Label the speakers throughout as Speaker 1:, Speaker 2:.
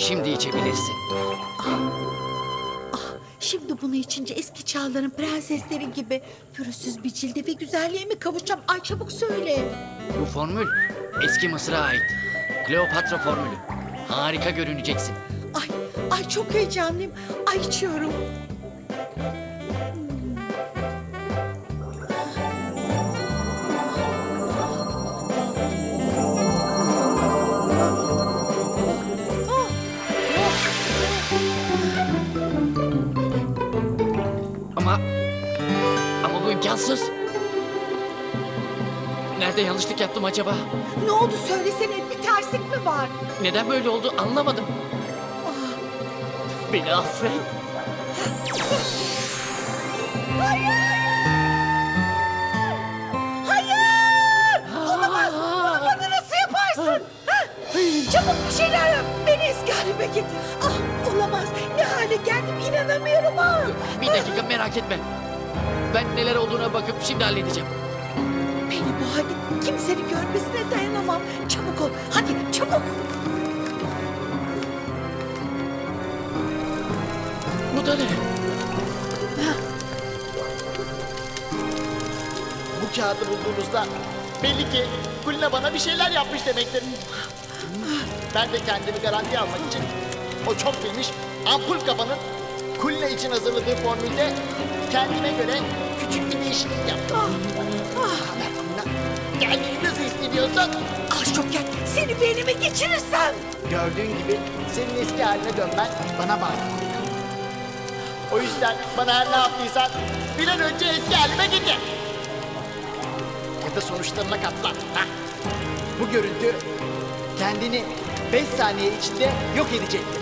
Speaker 1: Şimdi içebilirsin.
Speaker 2: Şimdi bunu içince eski çağların prensesleri gibi pürüzsüz bir cilde ve güzelliğe mi kavuşacağım? Ay çabuk söyle.
Speaker 1: Bu formül eski Mısır'a ait. Kleopatra formülü. Harika görüneceksin.
Speaker 2: Ay çok heyecanlıyım. Ay içiyorum.
Speaker 1: Ama bu imkansız. Nerede yanlışlık yaptım acaba?
Speaker 2: Ne oldu söylesene, bir terslik mi var?
Speaker 1: Neden böyle oldu anlamadım. Beni affet.
Speaker 2: Hayır! Olamaz! Bana nasıl yaparsın? Ha? Çabuk bir şeyler yap. Beni eski halime getir. Olamaz. Ne hale geldim inanamıyorum ha.
Speaker 1: Bir dakika merak etme. Ben neler olduğuna bakıp şimdi halledeceğim.
Speaker 2: Beni bu halde kimsenin görmesine dayanamam. Çabuk ol. Hadi çabuk.
Speaker 1: Bu da ne?
Speaker 3: Bu kağıdı bulduğunuzda belli ki Kulina bana bir şeyler yapmış demektir. Ben de kendimi garantiye almak için o çok bilmiş ampul kafanın Kulina için hazırladığı formülde kendime göre küçük bir değişiklik yaptım. Kendini nasıl hissediyorsun?
Speaker 2: Şoker, seni beynime geçirirsem.
Speaker 3: Gördüğün gibi senin eski haline dönmen bana bağlı. O yüzden bana her ne yaptıysan bir an önce eski halime getir. Ya da sonuçlarına katlan. Ha? Bu görüntü kendini 5 saniye içinde yok edecektir.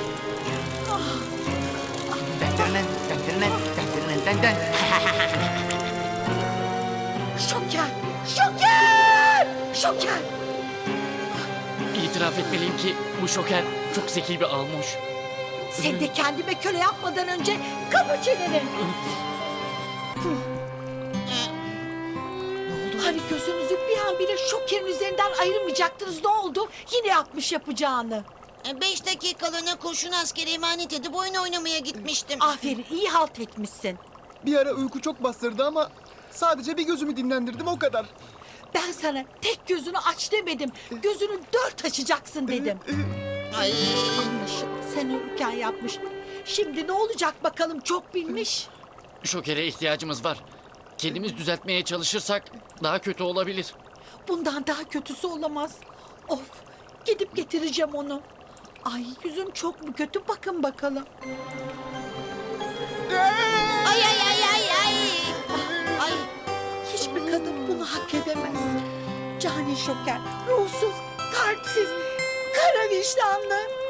Speaker 2: Şoker, Şoker, Şoker.
Speaker 1: İtiraf etmeliyim ki bu şoker çok zeki bir almış.
Speaker 2: Sen de kendime köle yapmadan önce kapa çeneni. Hani gözünüzü bir an bile Şoker'in üzerinden ayırmayacaktınız, ne oldu? Yine yapmış yapacağını.
Speaker 4: 5 dakikalığına kurşun askeri emanet edip oyun oynamaya gitmiştim.
Speaker 2: Aferin, iyi halt etmişsin.
Speaker 5: Bir ara uyku çok bastırdı ama sadece bir gözümü dinlendirdim o kadar.
Speaker 2: Ben sana tek gözünü aç demedim. Gözünü 4 açacaksın dedim.
Speaker 4: Ay.
Speaker 2: Anlaşıldı, sen uyurken yapmış. Şimdi ne olacak bakalım, çok bilmiş.
Speaker 1: Şokere ihtiyacımız var. Kendimiz düzeltmeye çalışırsak daha kötü olabilir.
Speaker 2: Bundan daha kötüsü olamaz. Of, gidip getireceğim onu. Ay yüzüm çok mu kötü, bakın bakalım.
Speaker 4: Ay ay ay ay ay. Ay.
Speaker 2: Hiçbir kadın bunu hak edemez. Cani Şoker, ruhsuz, kalpsiz, kara vicdanlı.